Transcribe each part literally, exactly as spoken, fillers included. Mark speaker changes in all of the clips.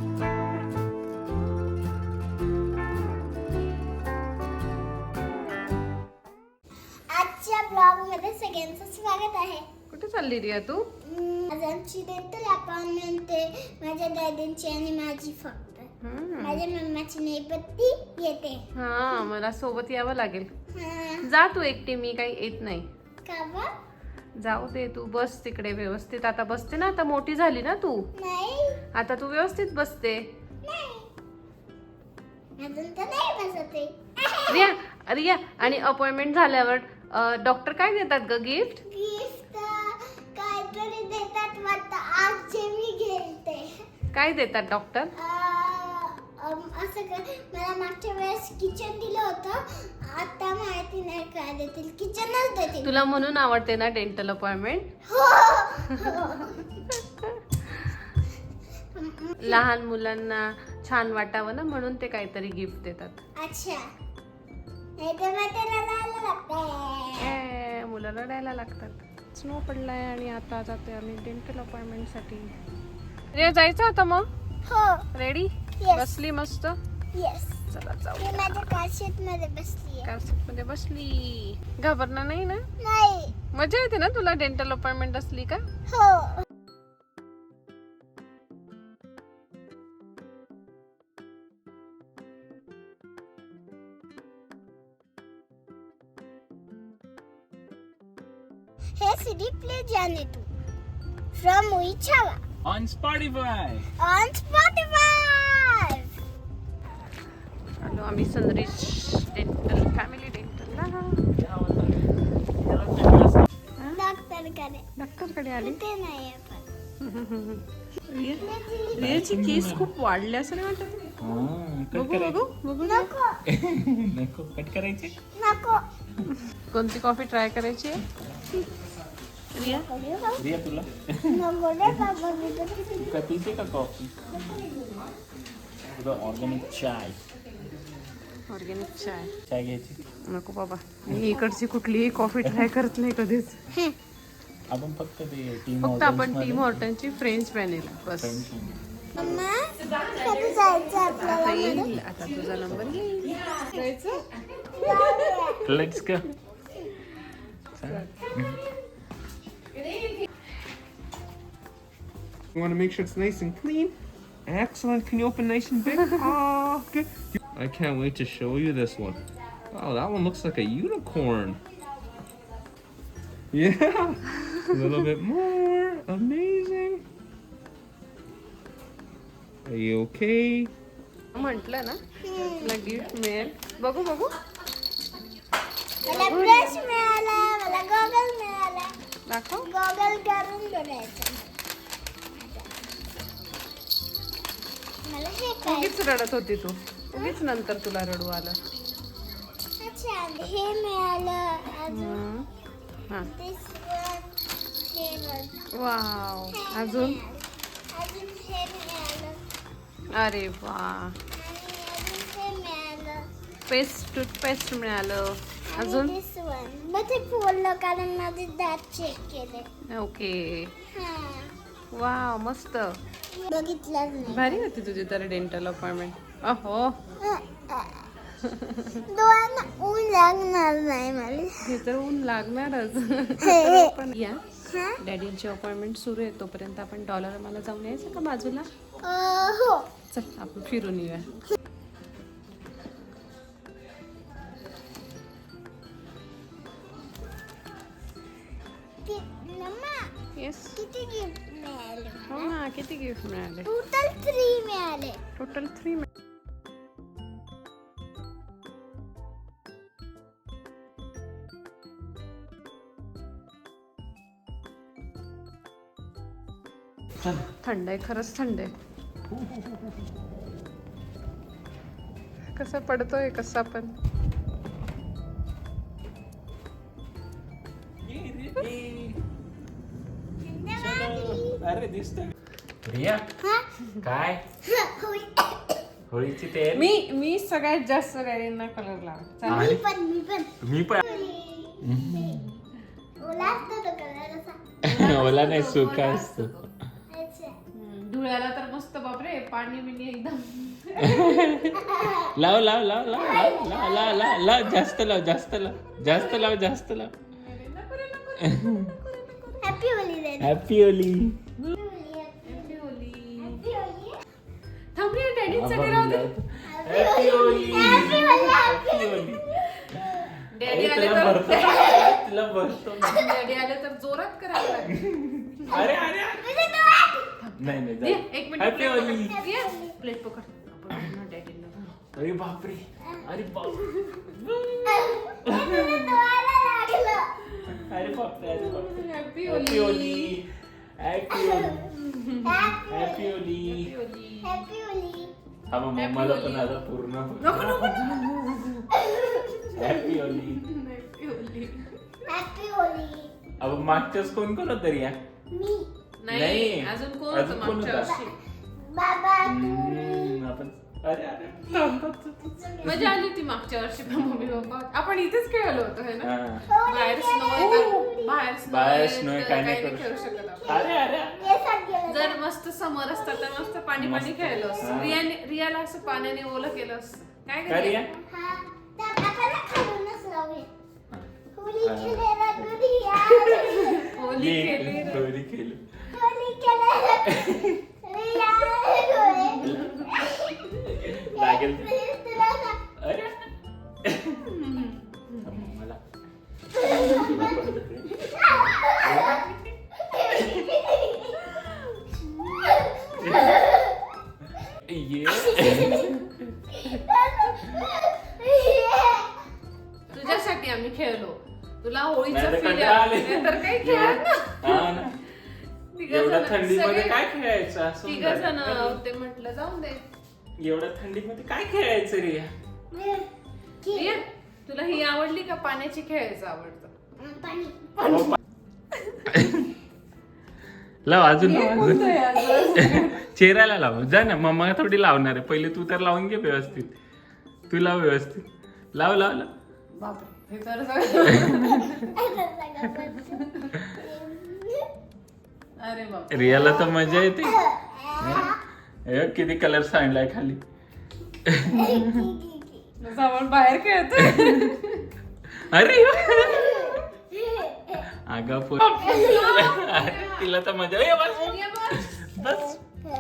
Speaker 1: आजच्या ब्लॉग मध्ये सगळ्यांचं स्वागत आहे.
Speaker 2: कुठे चालली रिया तू?
Speaker 1: आज आमची डेंटल अपॉइंटमेंट आहे, माझ्या दादांची आणि माझी फक्त. माझ्या मम्माची नाही पत्ती येते.
Speaker 2: हा, मला सोबत यावं लागेल.
Speaker 1: हा.
Speaker 2: जा तू एकटी, मी काही येत नाही.
Speaker 1: का बा?
Speaker 2: जाऊ दे, तू बस तिकडे व्यवस्थित. आता बसते ना, आता मोठी झाली ना तू.
Speaker 1: नाही
Speaker 2: आता तू व्यवस्थित बसते.
Speaker 1: नाही अजून तर नाही बसत आहे.
Speaker 2: रिया रिया आणि अपॉइंटमेंट झाल्यावर डॉक्टर काय देतात ग गिफ्ट?
Speaker 1: गिफ्ट काहीतरी देतात वाटतं. आज जे मी घेते
Speaker 2: काय देतात डॉक्टर?
Speaker 1: असं का, मला मागच्या वेळेस किचन दिलं होतं, आता माहिती नाही काय देतील. किचनच देतील.
Speaker 2: तुला म्हणून आवडते ना डेंटल अपॉइंटमेंट? लहान मुलांना छान वाटावं ना, म्हणून ते काहीतरी गिफ्ट देतात.
Speaker 1: अच्छा, नाही तर मग त्याला लावायला लागतंय.
Speaker 2: ए, मुलं रडायला लागतात. स्नो पडलाय आणि आता जाते आम्ही डेंटल अपॉइंटमेंट साठी. रे जायचं आता मग?
Speaker 1: हो.
Speaker 2: रेडी?
Speaker 1: Yes.
Speaker 2: बसली मस्त?
Speaker 1: येस.
Speaker 2: चला जाऊ.
Speaker 1: मी माझ्या कारशीट मध्ये बसली आहे.
Speaker 2: कार सीट मध्ये बसली. घाबरणार नाही ना?
Speaker 1: नाही.
Speaker 2: मजा येते ना तुला डेंटल अपॉइंटमेंट असली का?
Speaker 1: हो. हे सीडी प्ले जाने तू फ्रॉम उइचावा
Speaker 3: On Spotify.
Speaker 1: On Spotify.
Speaker 2: आलो आम्ही सनरिच डेंटल फॅमिली डेंटलला.
Speaker 1: डॉक्टर कडे.
Speaker 2: डॉक्टरकडे आली.
Speaker 1: ते नाही आपण.
Speaker 2: रियाची केस खूप वाढले असं नाही वाटत?
Speaker 3: कट
Speaker 2: बघू बघू बघू.
Speaker 1: नको
Speaker 3: नको कट करायचे.
Speaker 1: नको.
Speaker 2: कोणती कॉफी ट्राय करायची आहे? रिया
Speaker 3: रिया तुला
Speaker 1: नको रे बाबा. मी तर
Speaker 3: तू काय पिते का कॉफी? तुझा ऑर्गॅनिक चाय
Speaker 2: ऑर्गॅनिक चाय
Speaker 3: चाय घ्यायची.
Speaker 2: नको बाबा, मी इकडची कुठलीही कॉफी ट्राय करत नाही कधीच.
Speaker 3: आपण फक्त ते टीम
Speaker 2: फक्त आपण टीम हॉर्टनची फ्रेंच व्हॅनिला बस.
Speaker 1: मम्मा कधी जायचं आपल्याला?
Speaker 2: आता येईल, आता तुझा नंबर येईल. जायचं?
Speaker 3: Let's go.
Speaker 4: You want to make sure it's nice and clean? Excellent. Can you open nice and big? Oh, good. I can't wait to show you this one. Wow, that one looks like a unicorn. Yeah. A little bit more. Amazing. Are you okay?
Speaker 2: म्हटलं ना तुला gift मिळेल. बघू बघू.
Speaker 1: मला brush मिळाला, मला goggle मिळाला.
Speaker 2: दाखव.
Speaker 1: गॉगल करून बघायचं. मला हे काय?
Speaker 2: उगीच रडत होती तू. उगीच नंतर तुला रडू आलं.
Speaker 1: अच्छा, हे मिळालं. अजून
Speaker 2: हा.
Speaker 1: this one, हे बघ.
Speaker 2: वाव.
Speaker 1: हे
Speaker 2: अजून
Speaker 1: मिळालं. अजून हे मिळालं.
Speaker 2: अरे वा.
Speaker 1: आणि अजून हे मिळालं.
Speaker 2: पेस्ट टूथपेस्ट मिळालं. अजून
Speaker 1: आणि this one. मग ते फोडलं कारण माझे दात चेक केले.
Speaker 2: ओके.
Speaker 1: हा.
Speaker 2: वाव मस्त.
Speaker 1: बघितलंच नाही.
Speaker 2: भारी होती तुझी तर डेंटल अपॉइंटमेंट. अहो,
Speaker 1: डोळ्यांना ऊन लागणार नाही मला.
Speaker 2: हे तर ऊन लागणारच.
Speaker 1: हे, हे.
Speaker 2: पण या
Speaker 1: हा?
Speaker 2: डॅडींची अपॉइंटमेंट सुरू आहे तोपर्यंत आपण डॉलर मला जाऊन यायचं का बाजूला?
Speaker 1: अं, हो.
Speaker 2: चल आपण फिरून येऊया.
Speaker 1: कि- मम्मा,
Speaker 2: येस.
Speaker 1: किती गिफ्ट मिळाले?
Speaker 2: हो ना, किती गिफ्ट मिळाले?
Speaker 1: टोटल थ्री मिळाले.
Speaker 2: Total three. थंड आहे, खरंच थंड आहे. कसा पडतोय कसा पण.
Speaker 3: अरे दिसतंय. रिया
Speaker 1: हा?
Speaker 3: काय
Speaker 1: होय.
Speaker 3: होळीची तयारी?
Speaker 2: मी मी सगळ्यात जास्त डॅडींना कलर लावला.
Speaker 1: मी पण मी पण
Speaker 3: मी पण.
Speaker 1: ओला असतो तो कलर असा.
Speaker 3: ओला नाही सुका असतो.
Speaker 1: अच्छा.
Speaker 2: धुळ्याला तर मस्त बापरे पाणी बिणी एकदम
Speaker 3: लाव लाव लाव लाव लाव लाव लाव लाव लाव जास्त लाव जास्त लाव जास्त लाव जास्त लाव
Speaker 1: हॅपी होली रे.
Speaker 3: Happy Holi.
Speaker 2: Happy Holi.
Speaker 1: Happy Holi.
Speaker 2: थांब रे डॅडींसाठी राहू दे.
Speaker 3: Happy Holi.
Speaker 1: Happy Holi.
Speaker 3: Happy Holi.
Speaker 2: Daddy आले
Speaker 3: तुला
Speaker 2: तर
Speaker 3: भरतो तुला भरतो.
Speaker 2: डॅडी आले तर जोरात करायला लागेल.
Speaker 3: अरे अरे अरे.
Speaker 1: तुझे डोळे.
Speaker 3: नाही नाही
Speaker 2: दे,
Speaker 3: जा.
Speaker 2: एक मिनिट
Speaker 3: हॅपी होली.
Speaker 2: प्लेट पकड आपण ना डॅडींना भरू.
Speaker 3: अरे बापरे. अरे बाप
Speaker 1: तुझे डोळ्याला लागलं.
Speaker 3: अरे बापरे अरे बापरे.
Speaker 2: Happy
Speaker 3: happy
Speaker 2: Holi.
Speaker 3: Holi. Happy Holi. Happy Holi.
Speaker 2: Holi.
Speaker 1: Happy Holi.
Speaker 3: हा मग मम्माला पण आता पूर्ण
Speaker 2: नको नको नको.
Speaker 3: Happy Holi.
Speaker 2: Happy Holi.
Speaker 1: Happy Holi.
Speaker 3: अब मागच्याच कोण कोण होतं रिया?
Speaker 1: मी.
Speaker 2: नाही
Speaker 3: नाही.
Speaker 2: अजून कोण
Speaker 3: अजून
Speaker 2: होतं
Speaker 3: कोण
Speaker 2: मागच्या
Speaker 3: होतं?
Speaker 2: वर्षी?
Speaker 1: बाबा तू.
Speaker 3: हम्म, आपण अरे अरे थांब, थांब, थांब, थांब.
Speaker 2: मजा आली ती मागच्या वर्षी पण मम्मी पप्पा आपण इथेच खेळलो होतो है ना.
Speaker 3: हा.
Speaker 2: बाहेर स्नो आहे बाहेर स्नो
Speaker 3: बाहेर snow आहे, काही नाही
Speaker 2: काही
Speaker 3: करू
Speaker 2: खेळू शकत आपण.
Speaker 3: अरे अरे
Speaker 1: हे साथ गेलं.
Speaker 2: जर मस्त समर असतं तर मस्त पाणी पाणी
Speaker 3: मस्त.
Speaker 2: खेळलो असतं.
Speaker 3: हा.
Speaker 2: रियाने रियाला असं पाण्याने ओलं केलं असतं. काय
Speaker 3: का रिया?
Speaker 2: करूया?
Speaker 1: हा. तर आपण खालूनच लावूया. होली
Speaker 3: हा.
Speaker 1: खेळायला दुनिया.
Speaker 2: होली
Speaker 3: ये,
Speaker 2: खेळली रे.
Speaker 3: होली खेळली.
Speaker 1: होली खेळायला दुनिया.
Speaker 3: लागेल.
Speaker 1: तुला सांग.
Speaker 3: अरे मला ये
Speaker 2: तुझ्यासाठी आम्ही खेळलो. तुला होळीचं
Speaker 3: नाही तर
Speaker 2: फील
Speaker 3: कंटाळा आले.
Speaker 2: तर काही खेळत ना.
Speaker 3: हा ना.
Speaker 2: तिघं
Speaker 3: एवढ्या
Speaker 2: जण-
Speaker 3: थंडीमध्ये
Speaker 2: सगळे-
Speaker 3: काय खेळायचं असं
Speaker 2: तिघं
Speaker 3: होऊन
Speaker 2: जण
Speaker 3: जातं.
Speaker 2: ते म्हटलं जाऊन दे.
Speaker 3: एवढ्या थंडीमध्ये काय खेळायचं रिया?
Speaker 2: रिया, तुला ही आवडली का पाण्याची खेळायचं आवडतं?
Speaker 1: पाणी.
Speaker 3: लाव अजून
Speaker 2: हे
Speaker 3: लाव,
Speaker 2: कोणतं
Speaker 3: अजून.
Speaker 2: आहे अजून?
Speaker 3: चेहऱ्याला लाव जा ना. मम्मा थोडी लावणार आहे. पहिले तू तर लावून घे व्यवस्थित. तू लाव व्यवस्थित. लाव लाव लाव.
Speaker 2: बापरे, हे तर सगळं- अरे बाप
Speaker 3: रियाला तर मजा येते. हे किती कलर सांडलाय खाली.
Speaker 2: आपण बाहेर खेळतोय.
Speaker 3: अरे अगं पो- तिला तर मजा ये बस
Speaker 2: रिया बस.
Speaker 3: बस.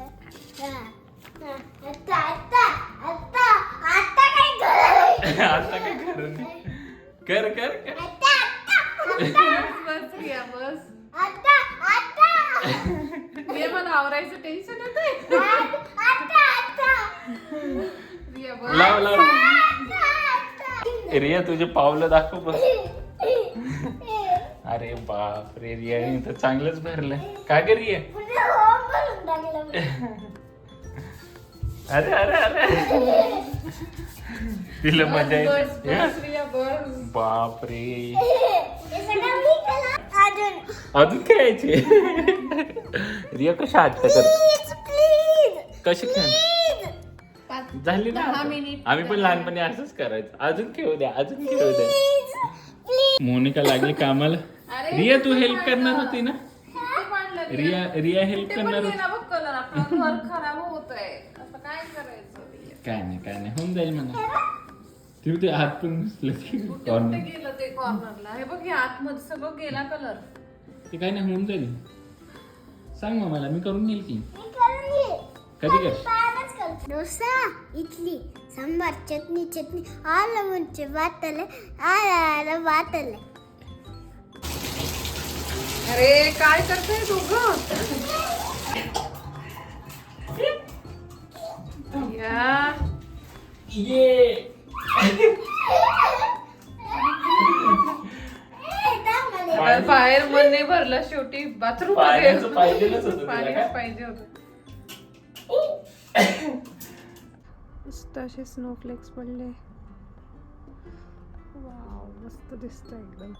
Speaker 1: आता आता आता आता काय करायचं?
Speaker 3: आता काय कर कर कर कर.
Speaker 1: आता आता
Speaker 2: बस रिया बस.
Speaker 1: आता आता
Speaker 2: रिया मला आवरायचं टेन्शन येतंय.
Speaker 1: आता आता
Speaker 2: रिया बस.
Speaker 3: लाव लाव.
Speaker 1: आता
Speaker 3: रिया तुझे पावलं दाखव बस. अरे बाप रे रियाने तर चांगलंच भरलंय. काय कर रिया?
Speaker 1: पुढे होम भरून टाकलं.
Speaker 3: अरे अरे अरे तिला मजा
Speaker 2: बस
Speaker 3: येते.
Speaker 2: बस रिया बस.
Speaker 3: बाप रे.
Speaker 1: हे सगळं मी केलं. अजून
Speaker 3: अजून खेळायचे. रिया कशा हट्ट करते?
Speaker 1: प्लीज प्लीज
Speaker 3: कशी खेळ
Speaker 2: पाच-
Speaker 3: झाली ना
Speaker 2: दहा
Speaker 3: आता?
Speaker 2: मिनिट.
Speaker 3: आम्ही पण लहानपणी असंच करायचं. अजून खेळू द्या अजून खेळू द्या.
Speaker 1: प्लीज
Speaker 3: मोनिका लागली कामाला.
Speaker 2: अरे,
Speaker 3: रिया तू
Speaker 2: किती
Speaker 3: हेल्प करणार
Speaker 2: पाडलं?
Speaker 3: होती ना?
Speaker 2: किती पाडलं
Speaker 3: रिया रिया हेल्प
Speaker 2: कुठे पण
Speaker 3: करणार होती.
Speaker 2: गेला बघ कलर आपला घर खराब होतोय. आता काय करायचं रिया?
Speaker 3: काय नाही काय नाही होऊन जाईल म्हणा. तिथे ते हात पण घुसले
Speaker 2: कुठे कुठे
Speaker 3: कॉर्नर.
Speaker 2: गेलं ते कॉर्नरला. हे बघ हे आतमध्ये सगळं गेला कलर.
Speaker 3: ते काय नाही होऊन जाईल. सांग मग मला मी करून घेईल की.
Speaker 1: मी करून घे.
Speaker 3: कधी कर?
Speaker 1: पायालाच करते. डोसा इडली सांबार चटणी चटणी आलं म्हणजे वाटले आलं वाटले.
Speaker 2: अरे काय करतोय दोघं? या
Speaker 3: ये
Speaker 2: बाहेर बाहेर मन नाही भरलं शेवटी बाथरूम
Speaker 3: पाण्याचं पाहिजेलच होतं तुला
Speaker 2: पाणी
Speaker 3: काय?
Speaker 2: पाहिजे होतं. मस्त असे स्नोफ्लेक्स पडले. वाव मस्त दिसत एकदम.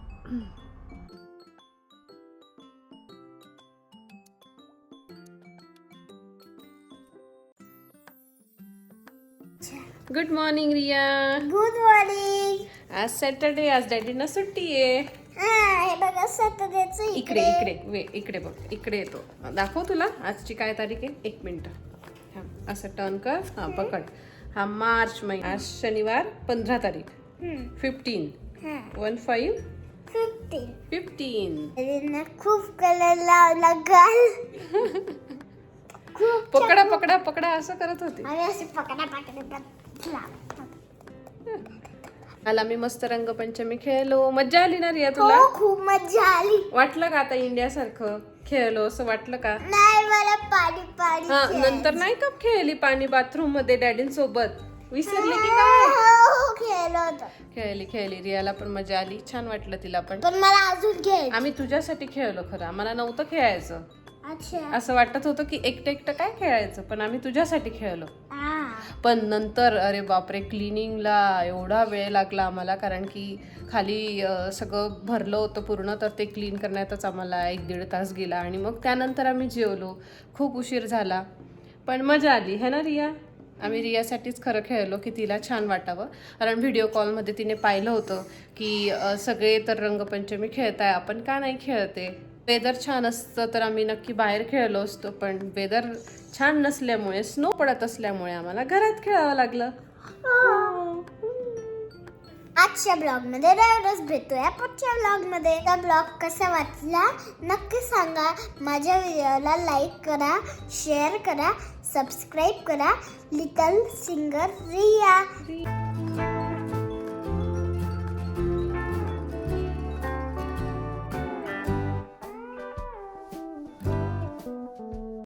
Speaker 2: Good morning Riya.
Speaker 1: Good morning.
Speaker 2: आज सॅटरडे, आज डॅडीना सुट्टी आहे.
Speaker 1: हे बघा सॅटर्डेचं
Speaker 2: इकडे इकडे वे इकडे बघ इकडे येतो. दाखव तुला आजची काय तारीख आहे. एक मिनिट थांब. असं टर्न कर, हा पकड. हा मार्च महिना, आज शनिवार पंधरा तारीख, fifteen one five
Speaker 1: fifteen.
Speaker 2: Fifteen.
Speaker 1: रियाने खूप कलर लावला गाल. खूप
Speaker 2: पकडा पकडा पकडा असं करत होती.
Speaker 1: आणि असे पकडा पकडा पकडा.
Speaker 2: मला मी मस्त रंगपंचमी खेळलो. मज्जा आली ना रिया तुला?
Speaker 1: हो खूप मजा आली.
Speaker 2: वाटलं का आता इंडिया सारखं खेळलो असं वाटलं का?
Speaker 1: नाही मला पाणी पाणी
Speaker 2: हा
Speaker 1: खेळायचं.
Speaker 2: नंतर नाही का खेळली पाणी बाथरूम मध्ये डॅडींसोबत? विसरली की काय?
Speaker 1: हो खेळलो होतो.
Speaker 2: खेळली खेळली. रियाला पण मजा आली, छान वाटलं तिला पण.
Speaker 1: पण मला अजून खेळ.
Speaker 2: आम्ही तुझ्यासाठी खेळलो खरं, आम्हाला नव्हतं खेळायचं.
Speaker 1: अच्छा.
Speaker 2: असं वाटत होतं की एकटं एकटं काय खेळायचं, पण आम्ही तुझ्यासाठी खेळलो.
Speaker 1: हा.
Speaker 2: पण नंतर अरे बापरे, क्लिनिंगला एवढा वेळ लागला आम्हाला, कारण की खाली अ, सगळं भरलं होतं पूर्ण, तर ते क्लीन करण्यातच आम्हाला एक दीड तास गेला. आणि मग त्यानंतर आम्ही जेवलो, खूप उशीर झाला, पण मजा आली है ना रिया? आम्ही रियासाठीच खरं खेळलो की तिला छान वाटावं, कारण व्हिडिओ कॉलमध्ये तिने पाहिलं होतं की अ, सगळे तर रंगपंचमी खेळताय, आपण का नाही खेळते. वेदर छान असतं तर आम्ही नक्की बाहेर खेळलो असतो, पण वेदर छान नसल्यामुळे, स्नो पडत असल्यामुळे आम्हाला घरात खेळावं लागलं.
Speaker 1: आजच्या ब्लॉग मध्ये एवढंच. भेटूया पुढच्या ब्लॉग मध्ये. हा ब्लॉग कसा वाटला नक्की सांगा. माझ्या व्हिडिओला लाईक करा, शेअर करा, सबस्क्राईब करा. Little singer Riya.